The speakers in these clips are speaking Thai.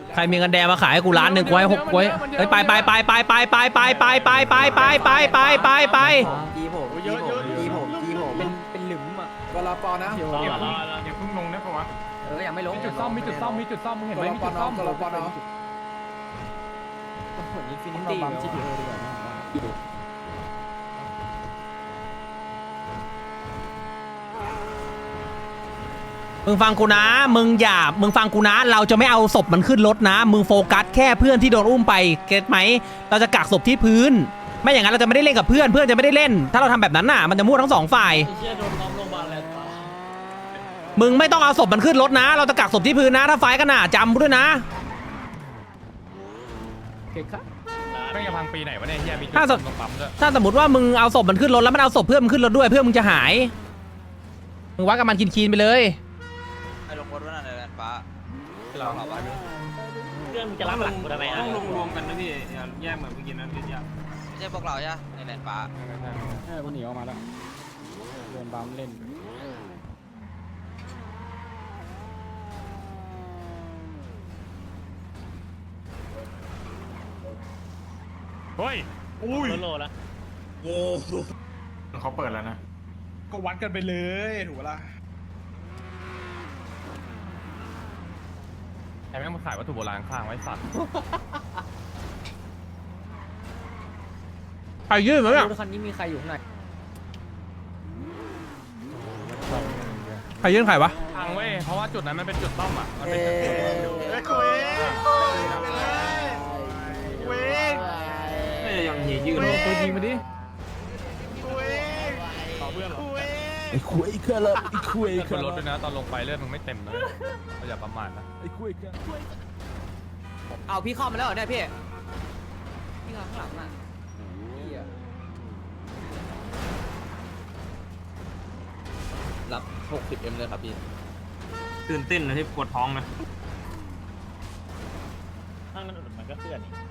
ใครมีเงินแดงมาขายให้กูล้านหนึ่งกูให้6ไว้ไปจีผมเป็นหลุมอ่ะกลปนะอย่าเพิ่งลงนะปะวะยังไม่ลงมีจุดซ่อมมึงเห็นไหมมีจุดซ่อมกลปนะอินฟินิตี้บัมจีพีโอดีกว่ามึงฟังกูนะมึงฟังกูนะเราจะไม่เอาศพมันขึ้นรถนะมึงโฟกัสแค่เพื่อนที่โดนอุ้มไปเก็ตไหมเราจะกักศพที่พื้นไม่อย่างนั้นเราจะไม่ได้เล่นกับเพื่อนจะไม่ได้เล่นถ้าเราทำแบบนั้นน่ะมันจะมั่วทั้งสองฝ่ายมึงไม่ต้องเอาศพมันขึ้นรถนะเราจะกักศพที่พื้นนะถ้าไฟกันน่ะจำด้วยนะไม่จะพังปีไหนวะเนี่ยเฮียมีจุดตรงปั๊มด้วยถ้าสมมติว่ามึงเอาศพมันขึ้นรถแล้วมันเอาศพเพื่อนมันขึ้นรถด้วยเพื่อนมึงจะหายมึงวัดกับมันคีนไปเลยไอ้ลงรถว่าอะไรฟ้าเราหลับไปเรื่องจะรับหลังกูทำไมต้องลงรวมกันนะพี่อย่าแยกเหมือนเมื่อกี้นะพี่ยาไม่ใช่พวกเราใช่ในแลนฟ้ามันหนีออกมาแล้วโดนบัมเล่นเฮ้ยอุ้ยโลละโว้เขาเปิดแล้วนะก็วัดกันไปเลยถูกปะล่ะไอ้แม่งมาขายวัตถุโบราณข้างไว้สัตว์ใครยื่นมั้ยเนี่ยคันนี้มีใครอยู่ข้างในใครยื่นใครวะพังเว้ยเพราะว่าจุดนั้นมันเป็นจุดต้อมอ่ะมันเป็นยังยืนตัวยิงมาดิไอ้คุยเครื่องละไอ้คุยขึ้นรถด้วยนะตอนลงไปเลือดมึงไม่เต็มเลยเราอย่าประมาทนะไอ้คุยเครื่องเอาพี่เข้ามาแล้วเหรอเนี่ยพี่ข้างหลังอ่ะรับ 60M เลยครับพี่ตื่นเต้นนะที่ปวดท้องนะข้างนั้นมันก็เคลื่อนนี่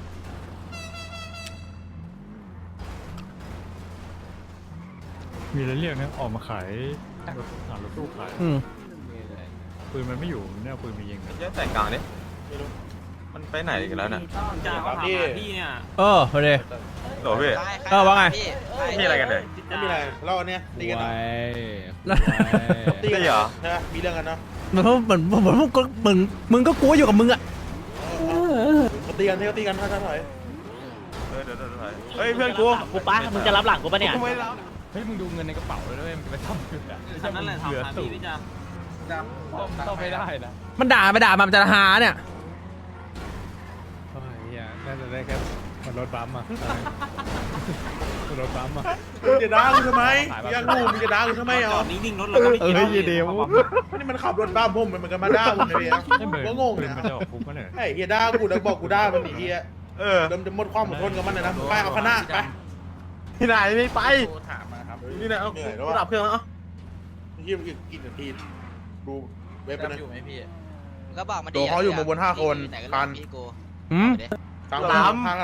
มีอะไรเรียกนะออกมาขายรถตู้ขายปืนมันไม่อยู่เนี่ยปืนมียิงเยอะแต่กลางเนี่ยมันไปไหนกันแล้วน่ะจ่าครับพี่เนี่ยพอดีโหลพี่ว่าไงมีอะไรกันเลยไม่มีอะไรเราเนี่ยตีกันตีกันเหรอใช่ไหมมีเรื่องกันเนาะเหมือนมึงก็กลัวอยู่กับมึงอ่ะตีกันตีกันถ้าถอยเดี๋ยวเฮ้ยเพื่อนกูป้ามึงจะรับหลังกูปะเนี่ยเฮ้ยมึงดูเงินในกระเป๋าเลยด้วยมันไปทำจุดอ่ะนั่นแหละทำหาพี่จ้าต้องไม่ได้นะมันด่ามันจะหาเนี่ยโอ้ยน่าจะได้แค่มันรถบัมอ่ะรถบัมอ่ะมึงจะด่ากูทำไมยังงูมึงจะด่ากูทำไมอ๋อนิ่งๆรถเราไม่เดี๋ยวนี่มันขับรถบ้าผมมันก็มาด่าผมเลยก็งงนะไอ้เฮียด่ากูแล้วบอกกูด่ามันอีเฮียเดิมจะหมดความอดทนกับมันเลยนะไปเอาคณะไปที่ไหนไม่ไปถามมาครับนี่นะเอาดับเครื่องแล้วเยี่ยมกินนาทีดูเว็บนะอยู่ไหมพี่ก็บอกมาดิตัวเขาอยู่มาบน5 คนคันทางลำ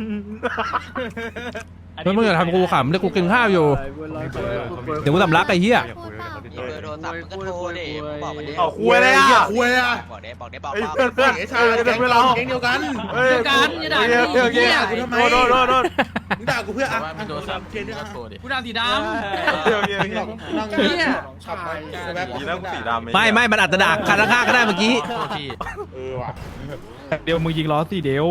มึงอย่าทำกูขำเดี๋ยวกูกินข้าวอยู่เดี๋ยวกูสำลักไอ้เหี้ยเบอร์โทรศัพท์มึงก็โทรดิบอกมาดิคุยเลยอ่ะคุยอ่ะบอกเพื่อนไอ้ชายแก๊งเดียวกันอย่าด่าพี่กูทำไมโดนมึงด่ากูเพื่ออ่ะโทรศัพท์กูด่าสีดำนั่งเนี่ยขับไปแบบนี้แล้วสีดำไม่มันอาจจะด่าคันข้างก็ได้เมื่อกี้ว่ะเดี๋ยวมึงยิงล้อสิเดี๋ยว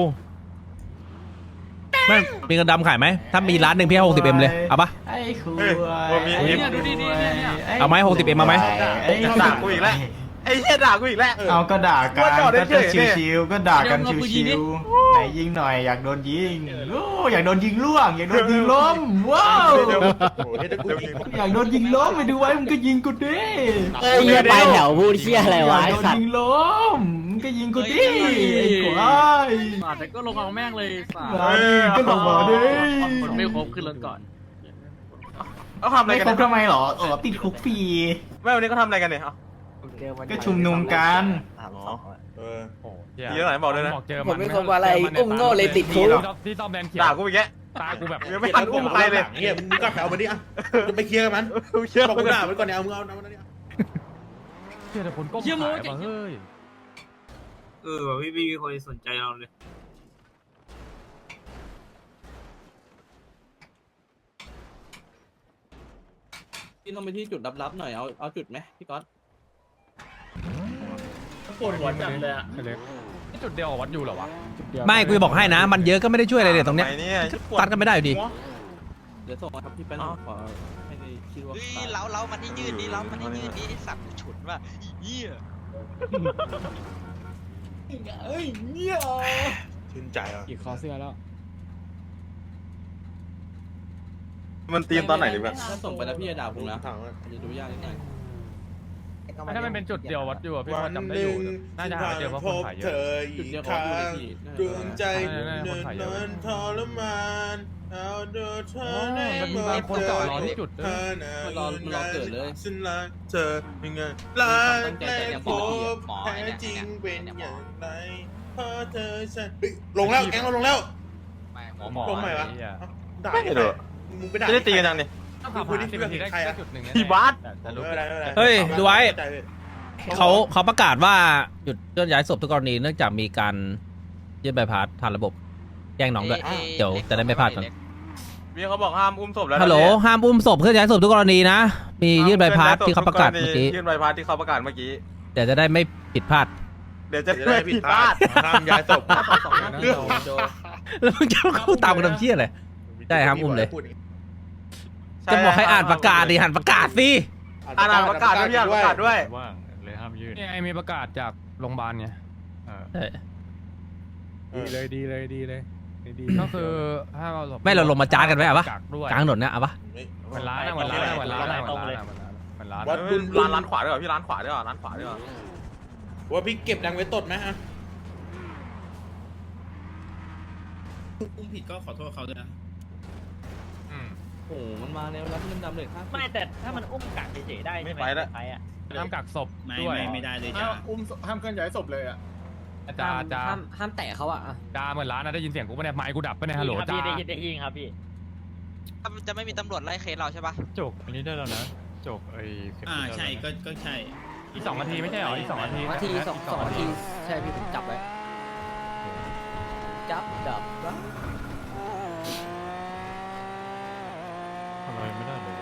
ไม่มีเงินดำขายไหมถ้ามีร้านหนึ่งพี่ให้60Mเลยเอาปะเอาไหม60Mมาไหมด่ากูอีกแล้วไอ้เหี้ยด่ากูอีกแล้วเอาก็ด่ากันก็ชิวๆก็ด่ากันชิวๆไหนยิงหน่อยอยากโดนยิงอยากโดนยิงล่วงอยากโดนยิงล้มว้าวอยากโดนยิงล้มไปดูไว้มึงก็ยิงกูดิเหี้ยไปแถวพูดเหี้ยอะไรวะอยากโดนยิงล้มมึงก็ยิงกูดิไอ้ควายแต่ก็ลงเอาแม่งเลยก็ลงมาดิคนไม่ครบขึ้นรถก่อนเขาทำอะไรกันทำไมหรอติดคุกฟรีไม่วันนี้เขาทำอะไรกันเนี่ยก็ชุมนุมกันเยอะหน่อยบอกเลยนะผมไม่คบอะไรอุ้มโง่เลยติดคุกที่ต้องแบนเขียวด่ากูอีกแกตากูแบบไม่ทันอุ้มใครเลยเฮียมึงก็แถวมาดิอ่ะจะไปเคลียร์กับมันบอกกูด่ามันก่อนเนี่ยเอามึงเอาเนี่ยเชื่อแต่คนก้มขายมาเฮ้ยพี่มีคนสนใจเราเลยพี่ต้องไปที่จุดลับๆหน่อยเอาจุดไหมพี่ก๊อตปวดหัวจังเลยอ่ะนี่จุดเดียวกับวัดอยู่เหรอวะไม่กูจะบอกให้นะ มันเยอะก็ไม่ได้ช่วยอะไรเลยตรงเนี้ยตัดกันไม่ได้อยู่ดีเดี๋ยวส่งมาครับพี่แป้นขอให้ได้คิดว่าเล้ามันที่ยืนดิเล้ามันที่ยืนดิสัตว์ฉุนว่ะเหี้ยชื่นใจอ่ะอีกคอเสื้อแล้วมันเตรียมตอนไหนดีแบบถ้าส่งไปแล้วพี่จะด่าผมนะถังอะจะดูยากนิดหน่อยถ้ามันเป็นจุดเดียววัดอยู่อะพี่พวัอน จำได้หอนึ่ยู่งน่าจะหาเจอเพราะคนถ่ายเยเธอะออีกครั้งดวงใจเนินนทรมานเอาเดินเธอในมันมีบางคนจอดรอที่จุดด้วยมันรอเกิดเลยฉันรักเธอยังไงรักแรกพบแท้จริงเป็นอย่างไรเพราะเธอฉันเฮ้ยลงแล้วแก๊งเราลงแล้วหมอลงไหนวะอ้เหี้ยด่าไม่ได้มึงไปด่าจะได้ตีกันยังเนี่ยต้องขับหา10 นาทีได้จุดหนึ่งที่วัดแต่รู้เฮ้ยดูไว้ เขาประกาศว่าหยุดเคลื่อนย้ายศพทุกกรณีเนื่องจากมีการยื่นใบพัดผ่านระบบแจ้งน้องด้วยเดี๋ยวจะได้ไม่พลาดกันพี่เขาบอกห้ามอุ้มศพแล้วฮัลโหลห้ามอุ้มศพเคลื่อนย้ายศพทุกกรณีนะมียื่นใบพัดที่เขาประกาศเมื่อกี้ยื่นใบพัดที่เขาประกาศเมื่อกี้เดี๋ยวจะได้ไม่ผิดพลาดเดี๋ยวจะจะได้ผิดพลาดห้ามย้ายศพแล้วมึงจะเข้าตามกันทำเชี่ยอะไร ได้ครับอุ้มเลย จะบอกให้อ่านประกาศดิอ่านประกาศสิอ่านประกาศด้วยพี่อ่านประกาศด้วยว่างเลยห้ามยื่นนี่ไอมีประกาศจากโรงพยาบาลไงใช่ดีเลยก็คือถ้าเราไม่เราลงมาจ้ากันไหมอ่ะปะกักด้วยกลางถนนเนี่ยเอาปะเหมือนร้านอะเหมือนร้านอะเหมือนร้านอะเหมือนร้านอะเหมือนร้านวัอะดบุญร้านขวาด้วยเหรอพี่ร้านขวาด้วยเหรอร้านขวาด้วยเหรอว่าพี่เก็บดังไว้ตดไหมฮะอุ้มผิดก็ขอโทษเขาด้วยนะโอ้โหมันมาแล้วรับเงินดำเลยครับไม่แต่ถ้ามันอุ้มกักเฉยๆได้ไม่ไปแล้วห้ามกักศพไม่ด้วยไม่ได้เลยจ้าห้ามเคลื่อนย้ายศพเลยอ่ะจ้าจ้าห้ามแตะเขาอะจ้าเหมือนร้านนะได้ยินเสียงกูปะเนี่ยไมค์กูดับปะเนี่ยฮัลโหลจ้าได้ยินครับพี่จะไม่มีตำรวจไล่เคสเราใช่ปะจกอันนี้ได้แล้วนะจกไอ้ใช่ก็ใช่อีก2 นาทีไม่ใช่เหรออีก2 นาทีสองนาทีใช่พี่ผมจับไว้จับดับทำอะไรไม่ได้เลย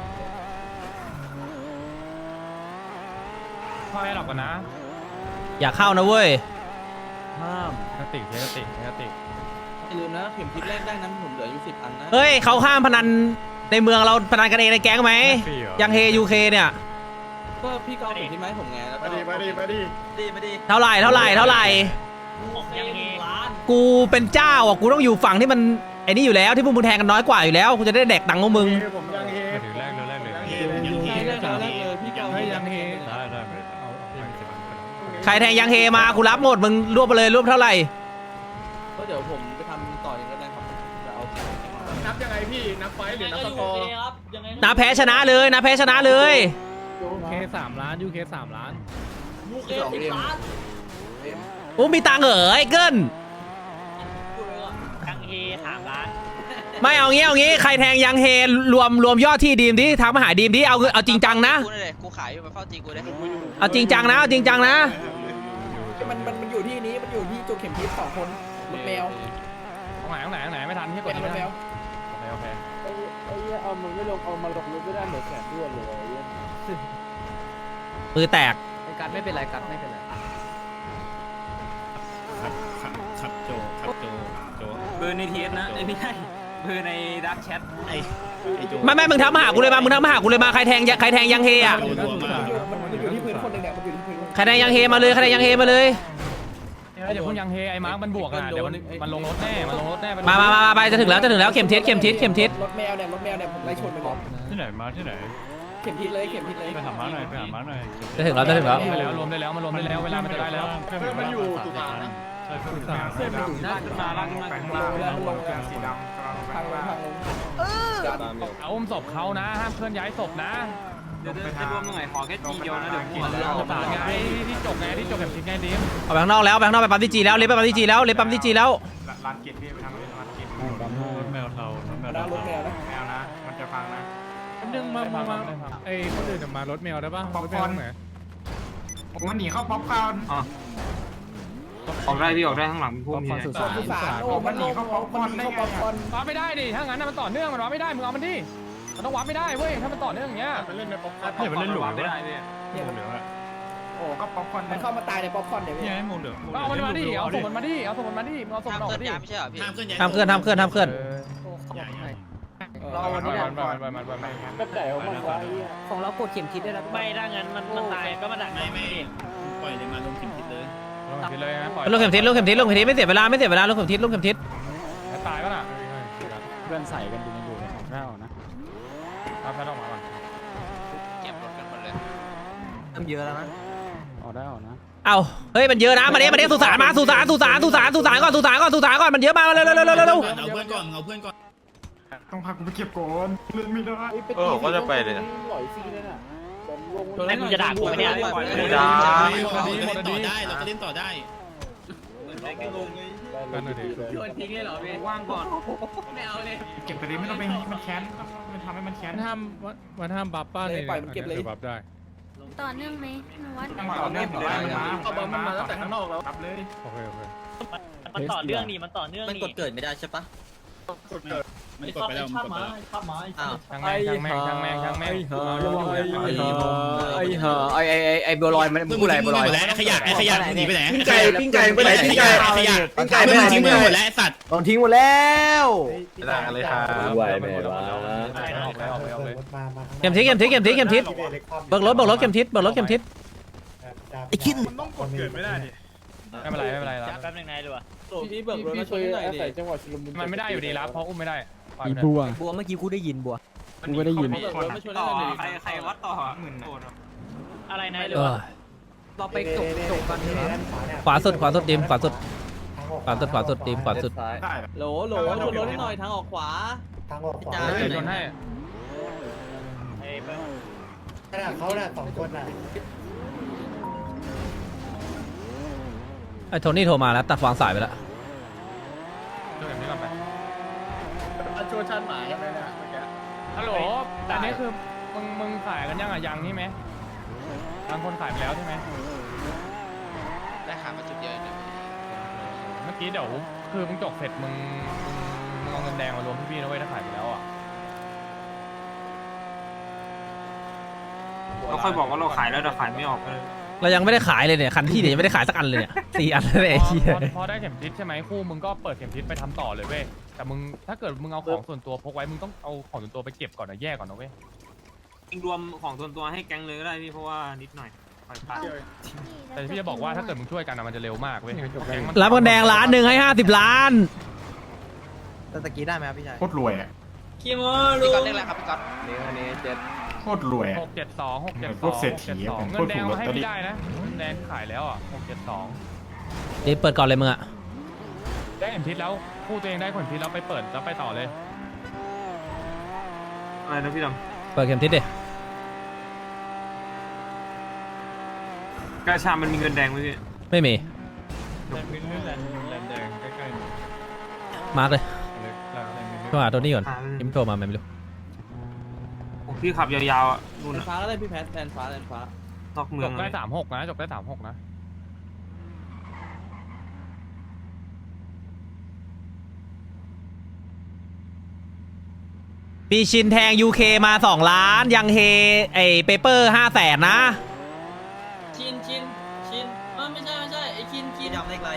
พ่อให้หลับกันนะอย่าเข้านะเว้ยห้ามกระติกกระติกอย่าลืมนะเข็มทิศแรกได้นั้นผมเหลืออยู่10 อันนะเฮ้ยเขาห้ามพนันในเมืองเราพนันกันเองในแก๊งไหมยังเฮยูเคเนี่ยก็พี่ก็เอาเข็มทิศมาให้ผมไงแล้วก็มาดิไม่ดีเท่าไหร่ยังเฮล้านกูเป็นเจ้าอ่ะกูต้องอยู่ฝั่งที่มันไอ้นี่อยู่แล้วที่พวกมึงแทงกันน้อยกว่าอยู่แล้วกูจะได้แดกตังค์ของมึงผมยังเฮมาถึงแรกเลยพี่ก็เอายังเฮได้ไม่เอาใครแทงยังเฮมากูรับหมดมึงรวบไปเลยรวบเท่าไหร่ก็เดี๋ยวผมไปทำต่ออย่างก็ได้ครับจะเอานับยังไงพี่นับไฟหรือนับสกอร์นับแพ้ชนะเลยนับแพ้ชนะเลยเค3 ล้านยูเค3 ล้านลูกเอ็ม10 ล้านโอ้มีตังค์เหรอไอ้เกิลยังเฮ3 ล้านไม่เอางี้ใครแทงยังเฮรวมยอดที่ดีมดิทางมาหาดีมดิเอาจริงจังนะกูเลยกูขายอยู่ไปเฝ้าจีกูเลยเอาจริงจังนะเอาจริงจังนะมันอยู่ที่นี้มันอยู่ที่จุดเข็มทิศ2 คนรถแมวตรงไหนไม่ทันที่กดเป็นรถแมวโอเคเอามันไม่ลงเอามาลงรถไม่ได้เหมือนแสนด้วนเลยมือแตกกัดไม่เป็นไรกัดไม่เป็นไรครับโจเบอร์ในทีเอสนะไม่ใช่เบอร์ในดักแชทไอ้โจไม่มึงทำมาหากูเลยมาใครแทงยังเฮอ่ะมันอยู่ที่พื้นคนหนึ่งเนี่ยมันอยู่ที่พื้นใครแทงยังเฮมาเลยอย่าเพิ่งยังเฮไอ้มาร์กมันบวกนะเดี๋ยวมันลงรถแน่มาไปจะถึงแล้วเข็มทิศรถแมวเนี่ยผมไล่ชนไปก่อนที่ไหนมาที่ไหนเข็มทิศเลยไปหามาร์กหน่อยจะถึงแล้วไปแล้วรวมได้แล้วมันรวมได้แล้วเวลามันจะได้แล้วมันอยู่ตุลานะใช่ตุลาเส้นมันอยู่หน้ามาล่างแล้วมันลงสีดำทางลงเอาอุ้มศพเขานะห้ามเคลื่อนย้ายศพนะเดี๋ยวจะรวมยังไงขอแค่ทีเดียวนะเดี๋ยวหัวเราประสานไงที่จบแบบทิ้งไงดิมเอาไปข้างนอกไปปั๊มที่จีแล้วเล็บไปปั๊มที่จีแล้วร้านเกียรติพี่ไปทำร้านเกียรติรถแมวเทารถแมวนะแมวนะ มันจะฟังนะนึงมาไอ้คนอื่นมารถแมวได้ป่ะป๊อปคอร์นมันหนีเข้าป๊อปคอร์นออกได้พี่ออกได้ข้างหลังมีพวกมีสุสานโอ้มันหนีเข้าป๊อปคอร์นได้ไงวาร์ปไม่ได้ดิถ้างั้นมันต่อเนื่องมันวาร์ปไม่ได้มึงเอามันดิมันต้องวาร์ปไม่ได้เว้ยถ้ามันต่อเนื่องอย่างเงี้ยมันเล่นในป๊อปคอร์นเนี่ยมันเล่นหลุมไม่ได้พี่เหลืองอะโอ้ก็ป๊อปคอร์นมันเข้ามาตายในป๊อปคอร์นเดี๋ยวนี่ไงหมูเหลืองเอามันมาดิเอาศพมันมาดิเอาศพมันมาดิมึงเอาศพห้ามมันออกเกินมาดิยาไม่ใช่เหรอพี่ห้ามเคลื่อนห้ามเคลื่อนห้ามเคลื่อนเราวันนี้มันแบบไหนของมันวะของเรากดเข็มทิศได้แล้วไม่ถ้างั้นมันตายก็มาดักไม่ปล่อยเลยมาลงเข็มทิศเลยลงทิศเลยนะปล่อยลูกเข็มทิศลูกเข็มทิศลูกเข็มทิศไม่เสียเวลาไม่เสียเวลาลูกเข็มทิศลูกเข็มทิศตายก็น่ะเพื่อนใส่กันอยู่ในของเรานะเอาแพทออกมาก่อนเก็บรถกันหมดเลยทำเยอะแล้วนะออกได้ออกนะเอาเฮ้ยมันเยอะนะมาเนี้ยสุสานมาสุสานก่อนสุสานก่อนมันเยอะมากเร็วเอาเพื่อนก่อนเอาเพื่อนก่อนต้องพากูไปเก็บก่อนเล่นไม่ได้ก็จะไปเลยนะหลอยซีเลยน่ะแล้วมึงจะด่ากูไหมเนี่ยไม่ได้เราจะเล่นต่อได้กันเลยดิโยนทิ้งเลยเหรอพี่ว่างก่อนไม่เอาเลยเก็บไปดิไม่ต้องไปมันแค้นมันทำให้มันแค้นมันห้ามบัฟป้าเลยบัฟได้ต่อเนื่องไหมหนูว่าต่อเนื่องต่อได้มันมาตั้งแต่ข้างนอกแล้วรับเลยโอเคมันต่อเนื่องนี่มันต่อเนื่องมันนี่กดเกิดไม่ได้ใช่ปะมันกดไปแล้วมันกดไปแล้วอ้าวช่างแม่งไอ้บัวลอยมันพูดอะไรบัวลอยขยะหนีไปไหนปิ้งไก่ไปไหนปิ้งไก่ขยะปิ้งไก่ไปไหนทิ้งไปหมดแล้วสัตว์โดนทิ้งหมดแล้วไม่ได้เลยครับไหวไหมวะออกเลยเข็มทิศเบิกรถเข็มทิศไอ้คิดมันต้องกดเกิดไม่ได้ดิไม่เป็นไรแป๊บนึงนายดูอ่ะพี่เบิกรถมาช่วยหน่อยดิมันไม่ได้อยู่ดีรับเพราะอุ้มไม่ได้อีบัวบัวเมื่อกี้กูได้ยินบัวกูก็ได้ยินเบิกรถมาช่วยหน่อยดิใครวัดต่ออะไรนายดูเราไปจบกันขวาสุดดิมขวาสุดดิมขวาสุดได้โหลช่วยรถให้หน่อยทางออกขวาจ้าเดี๋ยวโดนให้เขาน่ะสองคนน่ะไอ้โทนี่โทรมาแล้วตัดวางสายไปแล้วช่วยแบบนี้ก่อนไปชวนชันหมากันเลยนะเมื่อกี้ฮัลโหลอันนี้คือมึงขายกันยังอ่ะยังนี่ไหมบางคนขายไปแล้วใช่ไหมได้ขามาจุดเยอะเลยเมื่อกี้เดี๋ยวคือมึงจบเสร็จมึงเอาเงินแดงมารวมพี่ๆนะเว้ยถ้าขายไปแล้วอ่ะเราค่อยบอกว่าเราขายแล้วแต่ขายไม่ออกเลยเรายังไม่ได้ขายเลยเนี่ยคันที่เดี๋ยวยังไม่ได้ขายสักอันเลยเนี่ย4 อันเลยไอ้เหี้ยพอได้เข็มทิศใช่ไหมคู่มึงก็เปิดเข็มทิศไปทำต่อเลยเว้ยแต่มึงถ้าเกิดมึงเอาของส่วนตัวพกไว้มึงต้องเอาของส่วนตัวไปเก็บก่อนนะแยกก่อนนะเว้ยรวมของส่วนตัวให้แก๊งเลยก็ได้พี่เพราะว่านิดหน่อยแต่พี่จะบอกว่าถ้าเกิดมึงช่วยกันนะมันจะเร็วมากเว้ยแก๊งมันรับเงินแดงล้านหนึ่งให้50 ล้านตะกี้ได้ไหมครับพี่ชายโคตรรวยอ่ะคิโมพี่ก๊อตเรียกอะไรครับพี่ก๊อตนี่เจ็ดโคตรรวยอ่ะ 672 พวกเศรษฐีอะ 672 เป็นเงิพวกนแดถูงกลอมาตให้เตอรี่พี่ได้นะเงินแดงขายแล้วอ่ะ672 ดิเปิดก่อนเลยมึงอะได้เข็มทิศแล้วคู่ตัวเองได้เข็มทิศแล้วไปเปิดแล้วไปต่อเลยอะไรนะพี่ดเปิดเข็มทิศดิำกาชามันมีเงินแดงไหมพี่ไม่มีแลนแดงใกล้มาร์กเลยๆโทรหาโทนี่ก่อนยิ้มโทรมาไม่รู้พี่ขับยาวๆอ่ะนู่นแลนฟ้าก็ได้พี่แพทแลนฟ้านอกเมืจองบได้36นะจบได้36นะปีชินแทง UK มา2 ล้านยังเฮไอเปเปอร์500,000นะชินไม่ใช่ไอ้ชินดำเลขอะไร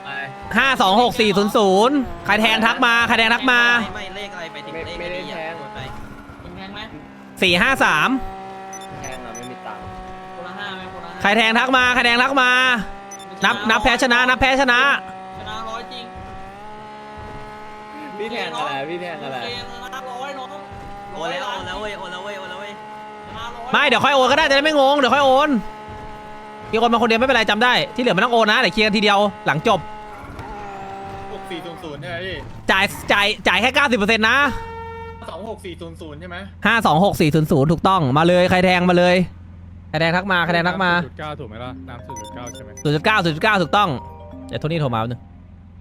526400ใครแทงทักมาไม่เลขอะไรไปถึงเลขไม่ได้แทงไปแทงไหม 453 แทงอ่ะไม่มีตังค์คนละ5ไหมคนละใครแทงทักมานับแพ้ชนะชนะ100จริงพี่แทงอะไรพี่แทงอะไรชนะ100น้องโอนแล้วเว้ยชนะ100 ไม่เดี๋ยวค่อยโอนก็ได้จะได้ไม่งงเดี๋ยวค่อยโอนมีคนมาคนเดียวไม่เป็นไรจำได้ที่เหลือไม่ต้องโอนนะเดี๋ยวเคลียร์กันทีเดียวหลังจบ 6400ใช่ไหมพี่จ่ายแค่ 90%นะ 26400ใช่ไหม 526400ถูกต้องมาเลยใครแทงมาเลยใครแทงทักมา 0.9ถูกไหมล่ะน้ำ0.9ใช่ไหม 0.9 ถูกต้องเดี๋ยวโทนี่โทรมาแป๊บนึง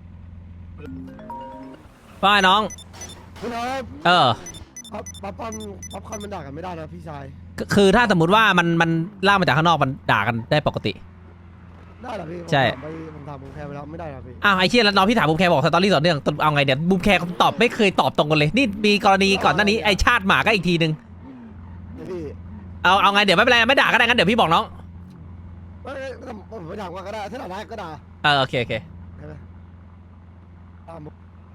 ว่าไงน้องเออป๊อปคอนมันด่ากันไม่ได้นะพี่ชายคือถ้าสมมติว่ามันลากมาจากข้างนอกมันด่ากันได้ปกติได้เหรอพี่ใช่ผมถามบูมแคร์ไปแล้วไม่ได้เหรอพี่อ้าวไอ้เชี่ยแล้วน้องพี่ถามบูมแคร์บอกสตอรี่ต่อเนื่องเอาไงเดี๋ยวบูมแคร์ตอบไม่เคยตอบตรงกันเลยนี่มีกรณีก่อนหน้านี้ไอ้ชาติหมาก็อีกทีนึงพี่เอาไงเดี๋ยวไม่เป็นไรไม่ด่าก็ได้งั้นเดี๋ยวพี่บอกน้องผมไม่ถามว่าก็ได้ถ้าด่าได้ก็ด่าโอเคใช่ไหมตามผม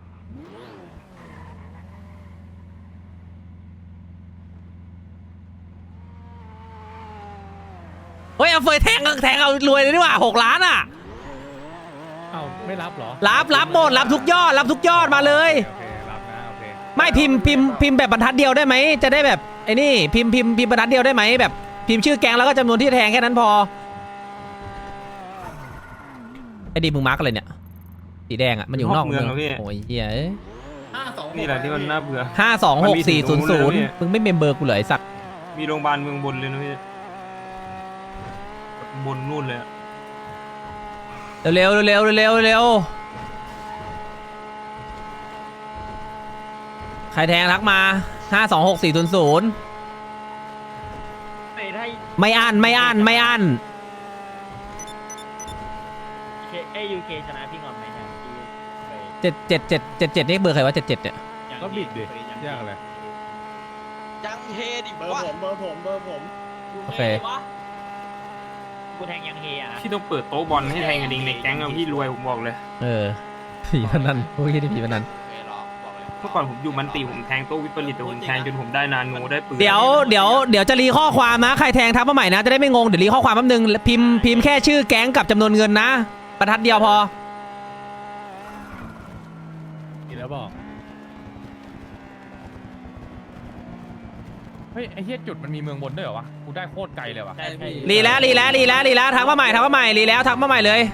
เฮ้ยเอาเฟยแทงเอารวยเลยดีกว่า6 ล้านอ่ะเอ้าไม่รับเหรอรับหมดรับทุกยอดมาเลยโอเครับนะโอเคไม่พิมพ์แบบบรรทัดเดียวได้ไหมจะได้แบบไอ้นี่พิมพ์บรรทัดเดียวได้ไหมแบบพิมพ์ชื่อแก๊งแล้วก็จำนวนที่แทงแค่นั้นพอไอ้ดีมึงมาร์กอะไรเนี่ยสีแดงอ่ะมันอยู่นอกเมืองโอ้ยเหี้ยนี่แหละที่มันน่าเบื่อ 526-400มึงไม่เมมเบอร์กูเลยไอ้สักมีโรงพยาบาลเมืองบนเลยนะพี่บนนู่นเลยเร็วใครแทงทักมา526-400ไม่อั้น UK ชนะพี่งอนไหมเนี่ย 77นี่เบอร์ใครวะ77เนี่ยก็บิดดิยากอะไรยังเฮดิเบอร์ผมโอเคกูแทงยังเฮอ่ะพี่ต้องเปิดโต๊ะบอลให้แทงกันเองในแก๊งอะพี่รวยผมบอกเลยผีพนันพวกนี้ผีพนันเมื่อก่อนผมอยู่มันตีผมแทงโต๊ะวิปริตแต่ผมแทงจนผมได้นาโนได้ปืนเดี๋ยวจะรีข้อความนะใครแทงทักมาใหม่นะจะได้ไม่งงเดี๋ยวรีข้อความแป๊บนึงพิมพ์แค่ชื่อแก๊งกับจำนวนเงินนะบรรทัดเดียวพอกินแล้วบอกเฮ้ยไอ้เหี้ยจุดมันมีเมืองบนด้วยเหรอวะกูได้โคตรไกลเลยวะรีแล้วทักมาใหม่รีแล้วทักมาใหม่เลย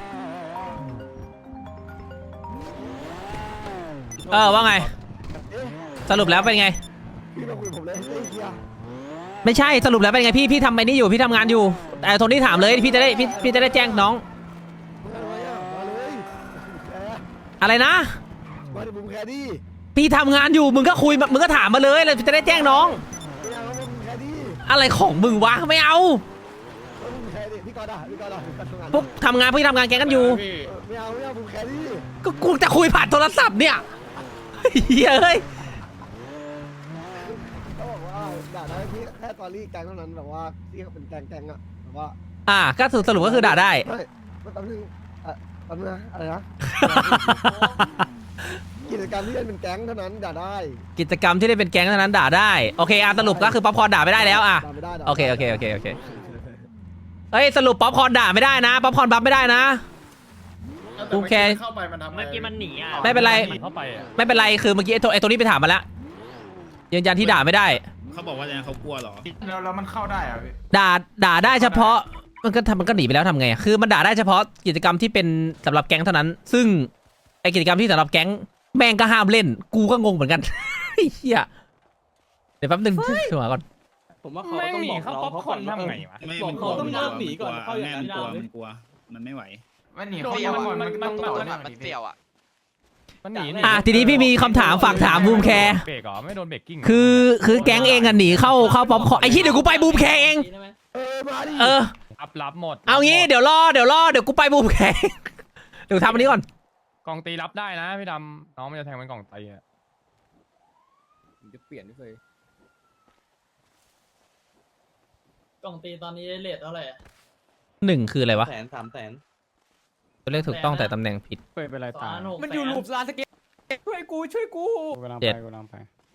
ว่าไงสรุปแล้วเป็นไงพี่มาคุยกับผมเลยไอ้เหี้ยไม่ใช่สรุปแล้วเป็นไงพี่ทำไอ้นี่อยู่พี่ทำงานอยู่แต่โทนี่ถามเลยพี่จะได้แจ้งน้องมาเลยอะไรนะมาดิบูมแคร์ดิพี่ทำงานอยู่มึงก็คุยมึงก็ถามมาเลยแล้วจะได้แจ้งน้องไม่เอาบูมแคร์ดิอะไรของมึงวะไม่เอาบูมแคร์ดิพี่กอดอ่ะพี่กอดทำงานพวกทำงานแกงกันอยู่ไม่เอาบูมแคร์ดิก็กูจะคุยผ่านโทรศัพท์เนี่ยเฮ้ยเขาบอกว่าด่าได้พี่แค่ตอรี่แกงเท่านั้นแบบว่าที่เขาเป็นแกงอ่ะแบบว่าก็สรุปก็คือด่าได้ไม่แป๊บนึงแป๊บนึงนะอะไรนะ กิจกรรมที่เล่นเป็นแก๊งเท่านั้นด่าได้กิจกรรมที่ได้เป็นแก๊งเท่านั้นด่าได้โอเคสรุปก็คือป๊อปคอร์นด่าไม่ได้แล้วด่าไม่ได้โอเคเฮ้ยสรุปป๊อปคอร์นด่าไม่ได้นะป๊อปคอร์นบัฟไม่ได้นะกูแค่เข้าไปมันทำเมื่อกี้มันหนีอ่ะไม่เป็นไรเข้าไปอ่ะไม่เป็นไรคือเมื่อกี้ไอ้ตัวนี้ไปถามมาแล้วยืนยันที่ด่าไม่ได้เขาบอกว่าอย่างเขากลัวเหรอแล้วมันเข้าได้เหรอพี่ด่าได้เฉพาะมันก็หนีไปแล้วทำไงคือมันด่าได้เฉพาะกิจกรรมที่เป็นสำหรับแก๊งเท่านั้น ซึ่งไอกิจกรรมที่สำหรับแก๊งแม่งก็ห้ามเล่นกูก็งงเหมือนกันเฮียเดี๋ยวแป๊บนึงช่วยก่อนผมว่าเขาแม่งต้องหนีบอกเข้าน้องป๊อปเขาคก่ออนร์นทำไงวะบอกเขาต้องเลิกหนีก่อนเขาอย่างนั้นมันกลัวมันไม่ไหวมันหนีเข้ามันต้องต่อเนื่องดิพี่มันหนีทีนี้พี่มีคำถามฝากถามบูมแคร์เบรกเหรอไม่โดนเบรกกิ้งคือแก๊งเองอะหนีเข้าป๊อปคอร์นไอ้ที่เดี๋ยวกูไปบูมแคร์เองมาดิรับหมดเอางี้เดี๋ยวรอเดี๋ยวกูไปบูมแคร์เดี๋ยวทำอันนี้ก่อนกองตีรับได้นะพี่ดำน้องมันจะแทงเป็นกองตีอ่ะจะเปลี่ยนไม่เคยกล่องตีตอนนี้เลทเท่าไหร่ 1คืออะไรวะ 100,000 ตัวเลขถูกต้องแต่ตำแหน่งผิดเปิดเป็นไรตายมันอยู่ลูปลานสเก็ตช่วยกูกูกำลังไป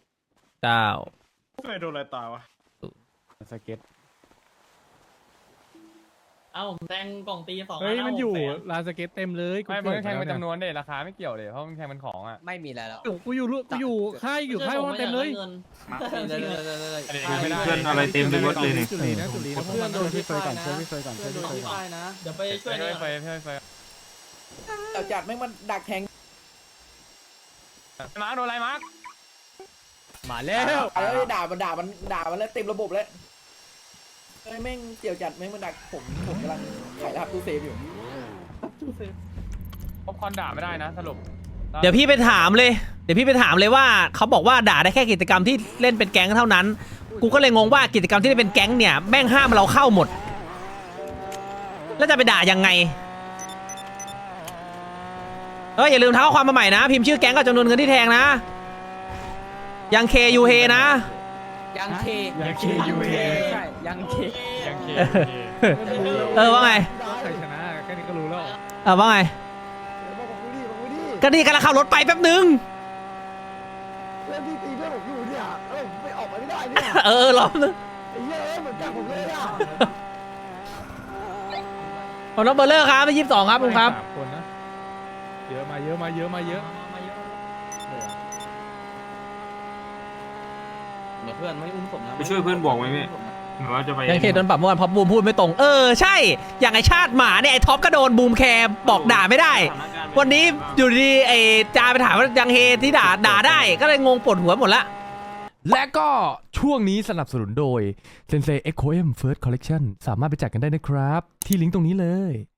9 ไม่โดนอะไรตายวะสเก็ตเอ้าผมแทงกล่องตี2 เฮ้ยมันอยู่ลานสเก็ตเต็มเลยไม่มันแทงเป็นจำนวนเด็ราคาไม่เกี่ยวเลยเพราะมันแทงเป็นของอ่ะไม่มีแล้วกูอยู่ค่ายว่าเต็มเลยเพื่อนอะไรเต็มไปหมดเลยนี่จุลีนะเพื่อนโดนพี่เฟยก่อนช่วยพี่เฟยก่อนเดี๋ยวไปช่วยไฟเราจัดไม่มันดักแทงมาร์คโดนอะไรมาร์คมาแล้วด่ามันแล้วเต็มระบบแล้วแม่งเสี่ยวจัดแม่งมันดักผมกำลังขายรหัสตู้เซฟอยู่ป๊อปคอร์นด่าไม่ได้นะสรุปเดี๋ยวพี่ไปถามเลยว่าเขาบอกว่าด่าได้แค่กิจกรรมที่เล่นเป็นแก๊งเท่านั้นกูก็เลยงงว่ากิจกรรมที่เล่นเป็นแก๊งเนี่ยแม่งห้ามเราเข้าหมดแล้วจะไปด่ายังไงอย่าลืมทักข้อความมาใหม่นะ พิมพ์ชื่อแก๊งกับจำนวนเงินที่แทงนะ ยังเคยูเฮนะยังเคยังเคยูเอใช่ยังเคยังเคว่าไงใครชนะแค่นี้ก็รู้แล้วว่าไงบอกกูดิบอกกูดิก็ดีกำลังขับรถไปแป๊บนึงเพื่อนพี่ตีเพื่อนผมอยู่เนี่ยไม่ออกมาไม่ได้เนี่ยรอบนึงไอ้เหี้ยเหมือนกับผมเลยอ่ะของน้องเบอร์เลอร์ครับไป22ครับคุณครับสามคนนะเยอะมาเยอะมาเยอะมาเยอะเหมือนเพื่อนไม่อุ้มศพนะไปช่วยเพื่อนบอกไหมพี่หรือว่าจะไปยังเคโดนปรับเมื่อวานเพราะบูมพูดไม่ตรง ใช่ อย่างไอชาติหมาเนี่ยไอท็อปก็โดนบูมแคร์บอกด่าไม่ได้ วันนี้อยู่ดีไอจาไปถามว่ายังเฮที่ด่าได้ ก็เลยงงปวดหัวหมดละและก็ช่วงนี้สนับสนุนโดย Sensei Echo M First Collection สามารถไปจัดกันได้นะครับ ที่ลิงก์ตรงนี้เลย